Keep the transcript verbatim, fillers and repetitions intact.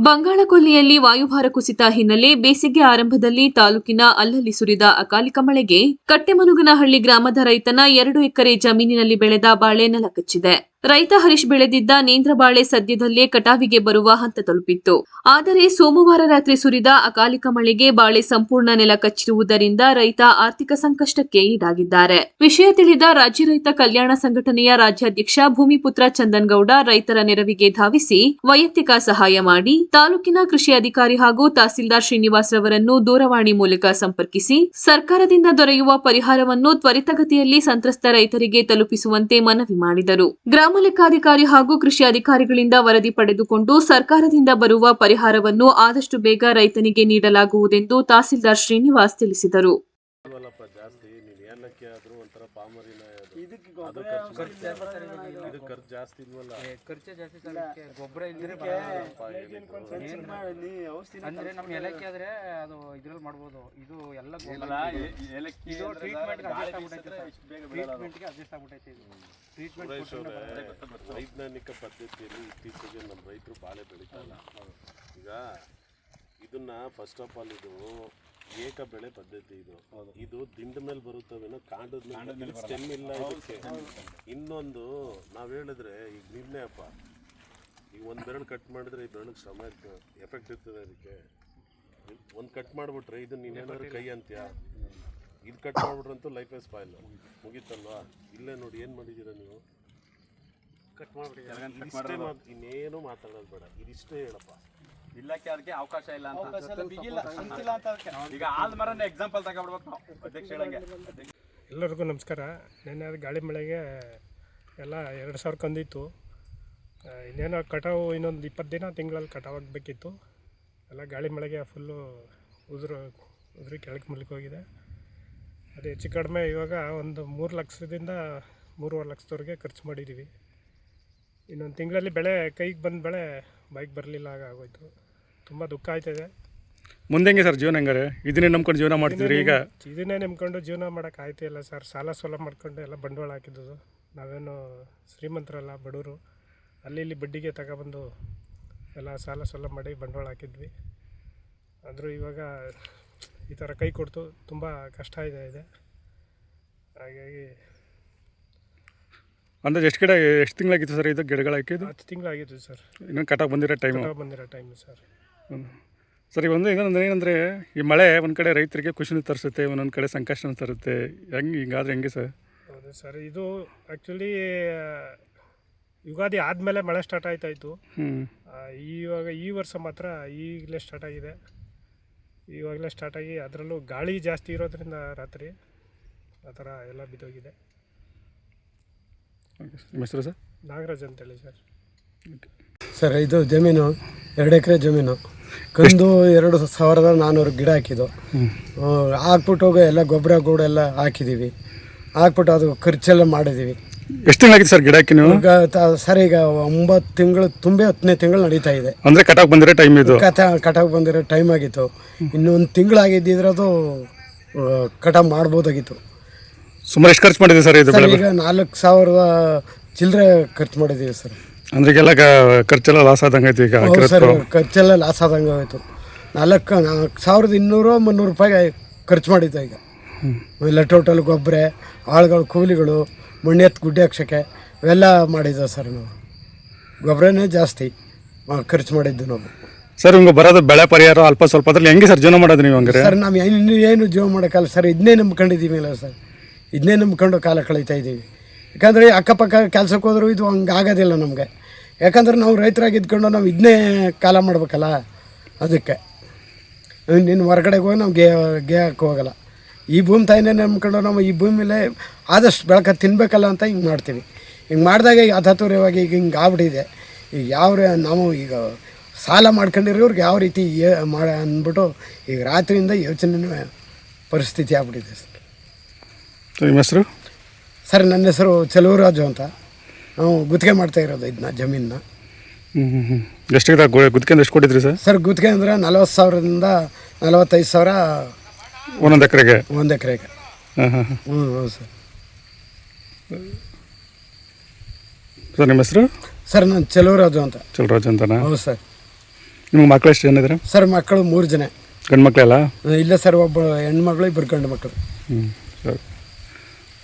ಬಂಗಾಳಕೊಲ್ಲಿಯಲ್ಲಿ ವಾಯುಭಾರ ಕುಸಿತ ಹಿನ್ನೆಲೆ ಬೇಸಿಗೆ ಆರಂಭದಲ್ಲಿ ತಾಲೂಕಿನ ಅಲ್ಲಲ್ಲಿ ಸುರಿದ ಅಕಾಲಿಕ ಮಳೆಗೆ ಕಟ್ಟೆಮನುಗನಹಳ್ಳಿ ಗ್ರಾಮದ ರೈತನ ಎರಡು ಎಕರೆ ಜಮೀನಿನಲ್ಲಿ ಬೆಳೆದ ಬಾಳೆ ನೆಲಕಚ್ಚಿದೆ. ರೈತ ಹರೀಶ್ ಬೆಳೆದಿದ್ದ ನೇಂದ್ರ ಬಾಳೆ ಸದ್ಯದಲ್ಲೇ ಕಟಾವಿಗೆ ಬರುವ ಹಂತ ತಲುಪಿತ್ತು. ಆದರೆ ಸೋಮವಾರ ರಾತ್ರಿ ಸುರಿದ ಅಕಾಲಿಕ ಮಳೆಗೆ ಬಾಳೆ ಸಂಪೂರ್ಣ ನೆಲ ಕಚ್ಚಿರುವುದರಿಂದ ರೈತ ಆರ್ಥಿಕ ಸಂಕಷ್ಟಕ್ಕೆ ಈಡಾಗಿದ್ದಾರೆ. ವಿಷಯ ತಿಳಿದ ರಾಜ್ಯ ರೈತ ಕಲ್ಯಾಣ ಸಂಘಟನೆಯ ರಾಜ್ಯಾಧ್ಯಕ್ಷ ಭೂಮಿಪುತ್ರ ಚಂದನ್ಗೌಡ ರೈತರ ನೆರವಿಗೆ ಧಾವಿಸಿ ವೈಯಕ್ತಿಕ ಸಹಾಯ ಮಾಡಿ ತಾಲೂಕಿನ ಕೃಷಿ ಅಧಿಕಾರಿ ಹಾಗೂ ತಹಸೀಲ್ದಾರ್ ಶ್ರೀನಿವಾಸ್ ರವರನ್ನು ದೂರವಾಣಿ ಮೂಲಕ ಸಂಪರ್ಕಿಸಿ ಸರ್ಕಾರದಿಂದ ದೊರೆಯುವ ಪರಿಹಾರವನ್ನು ತ್ವರಿತಗತಿಯಲ್ಲಿ ಸಂತ್ರಸ್ತ ರೈತರಿಗೆ ತಲುಪಿಸುವಂತೆ ಮನವಿ ಮಾಡಿದರು. ಗ್ರಾಮ ಲೆಕ್ಕಾಧಿಕಾರಿ ಹಾಗೂ ಕೃಷಿ ಅಧಿಕಾರಿಗಳಿಂದ ವರದಿ ಪಡೆದುಕೊಂಡು ಸರ್ಕಾರದಿಂದ ಬರುವ ಪರಿಹಾರವನ್ನು ಆದಷ್ಟು ಬೇಗ ರೈತನಿಗೆ ನೀಡಲಾಗುವುದೆಂದು ತಹಸೀಲ್ದಾರ್ ಶ್ರೀನಿವಾಸ್ ತಿಳಿಸಿದರು. ಅಂದ್ರೆ ನಮ್ಮ ಏಲಕ್ಕಿ ಆದ್ರೆ ಅದು ಇದ್ರಲ್ಲಿ ಮಾಡ್ಬೋದು. ಇದು ಎಲ್ಲ ಇದು ಟ್ರೀಟ್ಮೆಂಟ್ ಟ್ರೀಟ್ಮೆಂಟ್ಗೆ ಅಡ್ಜಸ್ಟ್ ಆಗ್ಬಿಟ್ಟೈತೆ. ಇದು ಟ್ರೀಟ್ಮೆಂಟ್ ವೈಜ್ಞಾನಿಕ ಪದ್ಧತಿಯಲ್ಲಿ ಇತ್ತೀಚೆಗೆ ನಮ್ಮ ರೈತರು ಬಾಳೆ ಬೆಳೀತಲ್ಲ. ಈಗ ಇದನ್ನ ಫಸ್ಟ್ ಆಫ್ ಆಲ್ ಇದು ಏಕ ಬೆಳೆ ಪದ್ಧತಿ. ಇದು ಇದು ದಿಂಡ ಮೇಲೆ ಬರುತ್ತವೇನೋ ಕಾಂಡದ ಮೇಲೆ ಸ್ಟೆಮ್ ಇಲ್ಲ ಇದಕ್ಕೆ. ಇನ್ನೊಂದು ನಾವು ಹೇಳಿದ್ರೆ ಈಗ ನಿರ್ಣಯಪ್ಪ, ಈಗ ಒಂದು ಬೆರಳು ಕಟ್ ಮಾಡಿದ್ರೆ ಈ ಬೆರಳಿಗೆ ಶ್ರಮ ಇರ್ತದೆ, ಎಫೆಕ್ಟ್ ಇರ್ತದೆ. ಅದಕ್ಕೆ ಒಂದು ಕಟ್ ಮಾಡಿಬಿಟ್ರೆ ಇದು ನೀನೇನಾದ್ರು ಕೈ ಅಂತ್ಯ, ಇದು ಕಟ್ ಮಾಡಿಬಿಟ್ರಂತೂ ಲೈಫೇ ಸ್ಪಾಯ್ಲ್ ಮುಗೀತಲ್ವಾ. ಇಲ್ಲೇ ನೋಡಿ ಏನು ಮಾಡಿದ್ದೀರಾ ನೀವು, ಕಟ್ ಮಾಡಿಬಿಟ್ಟಿದ್ದೀರಾ. ಇನ್ನೇನು ಮಾತಾಡೋದು ಬೇಡ, ಇದಿಷ್ಟೇ ಹೇಳಪ್ಪ. ಇಲ್ಲಕ್ಕೆ ಅದಕ್ಕೆ ಅವಕಾಶ ಇಲ್ಲ ಅಂತ. ಈಗ ಆದ ಮರನ ಎಕ್ಸಾಂಪಲ್ ತಗೊಬಿಡ್ಬೇಕು ನಾವು ಅಧ್ಯಕ್ಷ ಹೇಳಂಗೆ. ಎಲ್ಲರಿಗೂ ನಮಸ್ಕಾರ. ನೆನ್ನೆ ಗಾಳಿ ಮಳೆಗೆ ಎಲ್ಲ ಎರಡು ಸಾವಿರ ಕಂದಿತ್ತು. ಇನ್ನೇನೋ ಕಟಾವು ಇನ್ನೊಂದು ಇಪ್ಪತ್ತು ದಿನ ತಿಂಗಳಲ್ಲಿ ಕಟಾವು ಆಗಬೇಕಿತ್ತು. ಎಲ್ಲ ಗಾಳಿ ಮಳೆಗೆ ಫುಲ್ಲು ಉದುರು ಉದುರಿ ಕೆಳಗೆ ಮುಳುಗೋಗಿದೆ. ಅದು ಹೆಚ್ಚು ಕಡಿಮೆ ಇವಾಗ ಒಂದು ಮೂರು ಲಕ್ಷದಿಂದ ಮೂರುವರೆ ಲಕ್ಷದವರೆಗೆ ಖರ್ಚು ಮಾಡಿದ್ದೀವಿ. ಇನ್ನೊಂದು ತಿಂಗಳಲ್ಲಿ ಬೆಳೆ ಕೈಗೆ ಬಂದ ಬೆಳೆ ಬೈಕ್ ಬರಲಿಲ್ಲ, ಆಗ ಆಗೋಯ್ತು. ತುಂಬ ದುಃಖ ಆಯ್ತದೆ. ಮುಂದೆ ಹೆಂಗೆ ಸರ್ ಜೀವನ ಹೆಂಗಾರೆ? ಇದನ್ನೇ ನಂಬ್ಕೊಂಡು ಜೀವನ ಮಾಡ್ತಿದ್ರಿ? ಈಗ ಇದನ್ನೇ ನಂಬ್ಕೊಂಡು ಜೀವನ ಮಾಡೋಕೆ ಆಯ್ತಿಲ್ಲ ಸರ್. ಸಾಲ ಸೋಲ ಮಾಡ್ಕೊಂಡು ಎಲ್ಲ ಬಂಡವಾಳ ಹಾಕಿದ್ದು. ನಾವೇನು ಶ್ರೀಮಂತರಲ್ಲ, ಬಡವರು. ಅಲ್ಲಿ ಇಲ್ಲಿ ಬಡ್ಡಿಗೆ ತಗೊಬಂದು ಎಲ್ಲ ಸಾಲ ಸೋಲ ಮಾಡಿ ಬಂಡವಾಳ ಹಾಕಿದ್ವಿ. ಆದರೂ ಇವಾಗ ಈ ಥರ ಕೈ ಕೊಡ್ತು, ತುಂಬ ಕಷ್ಟ ಇದೆ ಇದೆ ಹಾಗಾಗಿ. ಅಂದರೆ ಎಷ್ಟು ಗಿಡ ಎಷ್ಟು ತಿಂಗಳಾಗಿತ್ತು ಸರ್ ಇದು ಗಿಡಗಳು ಹಾಕಿದ್ದು? ಹತ್ತು ತಿಂಗಳಾಗಿತ್ತು ಸರ್. ಇನ್ನೂ ಕಟಾವು ಬಂದಿರೋ ಟೈಮ್ ಕಟಾವು ಬಂದಿರೋ ಟೈಮು ಸರ್. ಹ್ಞೂ ಸರ್, ಈಗ ಒಂದು ಏನಂದ್ರೆ ಏನಂದರೆ ಈ ಮಳೆ ಒಂದು ಕಡೆ ರೈತರಿಗೆ ಖುಷಿನೂ ತರಿಸುತ್ತೆ, ಒಂದೊಂದು ಕಡೆ ಸಂಕಷ್ಟನೂ ತರುತ್ತೆ. ಹೆಂಗೆ ಹಿಂಗಾದ್ರೆ ಹೆಂಗೆ ಸರ್? ಹೌದು ಸರ್, ಇದು ಆ್ಯಕ್ಚುಲಿ ಯುಗಾದಿ ಆದಮೇಲೆ ಮಳೆ ಸ್ಟಾರ್ಟ್ ಆಯ್ತಾಯಿತು. ಹ್ಞೂ ಇವಾಗ ಈ ವರ್ಷ ಮಾತ್ರ ಈಗಲೇ ಸ್ಟಾರ್ಟ್ ಆಗಿದೆ. ಇವಾಗಲೇ ಸ್ಟಾರ್ಟ್ ಆಗಿ ಅದರಲ್ಲೂ ಗಾಳಿ ಜಾಸ್ತಿ ಇರೋದ್ರಿಂದ ರಾತ್ರಿ ಆ ಥರ ಎಲ್ಲ ಬಿದ್ದೋಗಿದೆ. ನಿಮ್ಮ ಹೆಸರು ಸರ್? ನಾಗರಾಜ್ ಅಂತೇಳಿ ಸರ್. ಸರ್, ಇದು ಜಮೀನು ಎರಡು ಎಕರೆ ಜಮೀನು. ಕಂದು ಎರಡು ಸಾವಿರದ ನಾನ್ನೂರು ಗಿಡ ಹಾಕಿದ್ದು. ಹಾಕ್ಬಿಟ್ಟು ಎಲ್ಲ ಗೊಬ್ಬರ ಗೂಡ ಎಲ್ಲ ಹಾಕಿದ್ದೀವಿ. ಹಾಕ್ಬಿಟ್ಟು ಅದು ಖರ್ಚೆಲ್ಲ ಮಾಡಿದ್ದೀವಿ. ಎಷ್ಟು ತಿಂಗಳಾಗಿತ್ತು ಸರ್ ಗಿಡ ಹಾಕಿ ನೀವು? ಸರ್, ಈಗ ಒಂಬತ್ತು ತಿಂಗಳು ತುಂಬಿ ಹತ್ತನೇ ತಿಂಗಳು ನಡೀತಾ ಇದೆ. ಅಂದರೆ ಕಟಾವು ಬಂದಿರೋ ಟೈಮ್ ಇದು? ಕಟ ಕಟಾವು ಬಂದಿರೋ ಟೈಮ್ ಆಗಿತ್ತು. ಇನ್ನು ಒಂದು ತಿಂಗಳಾಗಿದ್ದಿದ್ರೆ ಅದು ಕಟಾವು ಮಾಡ್ಬೋದಾಗಿತ್ತು. ಸುಮಾರು ಎಷ್ಟು ಖರ್ಚು ಮಾಡಿದ್ದೀವಿ ಸರ್ ಇದು? ಈಗ ನಾಲ್ಕು ಸಾವಿರದ ಚಿಲ್ಲರೆ ಖರ್ಚು ಮಾಡಿದ್ದೀವಿ ಸರ್. ಅಂದ್ರೆ ಈಗೆಲ್ಲ ಖರ್ಚೆಲ್ಲ ಲಾಸ್ ಆದಂಗೆ ಆಯ್ತು ಈಗ? ಸರ್, ಖರ್ಚೆಲ್ಲ ಲಾಸ್ ಆದಂಗೆ ಆಯಿತು. ನಾಲ್ಕು ನಾಲ್ಕು ಸಾವಿರದ ಇನ್ನೂರು ಮುನ್ನೂರು ರೂಪಾಯಿ ಖರ್ಚು ಮಾಡಿದ್ದೆ ಈಗ. ಎಲ್ಲ ಟೋಟಲ್ ಗೊಬ್ಬರ, ಆಳುಗಳು, ಕೂಲಿಗಳು, ಮಣ್ಣೆತ್ತು ಗುಡ್ಡೆ ಹಾಕ್ಸೋಕ್ಕೆ ಇವೆಲ್ಲ ಮಾಡಿದ್ದೆ ಸರ್. ನಾವು ಗೊಬ್ಬರನೇ ಜಾಸ್ತಿ ಖರ್ಚು ಮಾಡಿದ್ದು ನಾವು. ಸರ್, ಹಿಂಗೆ ಬರೋದು ಬೆಳೆ ಪರಿಹಾರ ಅಲ್ಪ ಸ್ವಲ್ಪ ಅದ್ರಲ್ಲಿ ಹೆಂಗೆ ಸರ್ ಜೀವನ ಮಾಡೋದು ನೀವು? ಹಂಗಾರೆ ಸರ್, ನಾವು ಇನ್ನು ಏನು ಜೀವನ ಮಾಡೋಕ್ಕಲ್ಲ ಸರ್. ಇದನ್ನೇ ನಂಬ್ಕೊಂಡಿದ್ದೀವಿ ಅಲ್ಲ ಸರ್, ಇದನ್ನೇ ನಂಬ್ಕೊಂಡು ಕಾಲ ಕಳೀತಾ ಇದ್ದೀವಿ. ಯಾಕಂದರೆ ಅಕ್ಕಪಕ್ಕ ಕೆಲಸಕ್ಕೆ ಹೋದರೂ ಇದು ಹಂಗೆ ಆಗೋದಿಲ್ಲ ನಮಗೆ. ಯಾಕಂದ್ರೆ ನಾವು ರೈತರಾಗಿ ಇದ್ಕೊಂಡು ನಾವು ಇದನ್ನೇ ಕಾಲ ಮಾಡ್ಬೇಕಲ್ಲ. ಅದಕ್ಕೆ ಇನ್ನು ಹೊರಗಡೆಗೆ ಹೋಗಿ ನಾವು ಗೇ ಗೇ ಹಾಕಿ ಹೋಗಲ್ಲ. ಈ ಭೂಮಿ ತಾಯಿನೇ ನಂಬ್ಕೊಂಡು ನಾವು ಈ ಭೂಮಿ ಮೇಲೆ ಆದಷ್ಟು ಬೆಳಕ ತಿನ್ನಬೇಕಲ್ಲ ಅಂತ ಹಿಂಗೆ ಮಾಡ್ತೀವಿ. ಹಿಂಗೆ ಮಾಡಿದಾಗ ಈಗ ಹತತುರ್ಯವಾಗಿ ಈಗ ಹಿಂಗೆ ಆಗ್ಬಿಟ್ಟಿದೆ. ಈಗ ಯಾವ ನಾವು ಈಗ ಸಾಲ ಮಾಡ್ಕೊಂಡಿರೋರ್ಗೆ ಯಾವ ರೀತಿ ಏ ಮಾಡ ಅಂದ್ಬಿಟ್ಟು ಈಗ ರಾತ್ರಿಯಿಂದ ಯೋಚನೆ ಪರಿಸ್ಥಿತಿ ಆಗ್ಬಿಟ್ಟಿದೆ ಸರ್. ನಿಮ್ಮ ಹೆಸರು? ಸರ್, ನನ್ನ ಹೆಸರು ಚೆಲುವರಾಜು ಅಂತ. ನಾವು ಗುತ್ತಿಗೆ ಮಾಡ್ತಾ ಇರೋದು ಇದನ್ನ ಜಮೀನನ್ನ. ಹ್ಞೂ ಹ್ಞೂ ಹ್ಞೂ ಎಷ್ಟು ಗುತ್ತಿಗೆ ಎಷ್ಟು ಕೊಟ್ಟಿದ್ರಿ ಸರ್? ಸರ್, ಗುತ್ತಿಗೆ ಅಂದರೆ ನಲ್ವತ್ತು ಸಾವಿರದಿಂದ ನಲವತ್ತೈದು ಸಾವಿರ ಒಂದೊಂದು ಎಕರೆಗೆ? ಒಂದು ಎಕರೆಗೆ. ಹಾಂ ಹಾಂ ಹಾಂ ಹ್ಞೂ ಹೌದು ಸರ್. ಸರ್, ನಿಮ್ಮ ಹೆಸರು? ಸರ್, ನಾನು ಚೆಲುವರಾಜು ಅಂತ. ಚೆಲುವರಾಜು ಅಂತನಾ? ಹೌದು ಸರ್. ನಿಮ್ಗೆ ಮಕ್ಕಳು ಎಷ್ಟು ಜನ ಇದ್ದಾರೆ? ಸರ್ ಮಕ್ಕಳು ಮೂರು ಜನ ಗಂಡು ಮಕ್ಕಳೆಲ್ಲ? ಇಲ್ಲ ಸರ್, ಒಬ್ಬ ಹೆಣ್ಮಗಳು ಇಬ್ಬರು ಗಂಡು ಮಕ್ಕಳು. ಹ್ಞೂ ಸರಿ.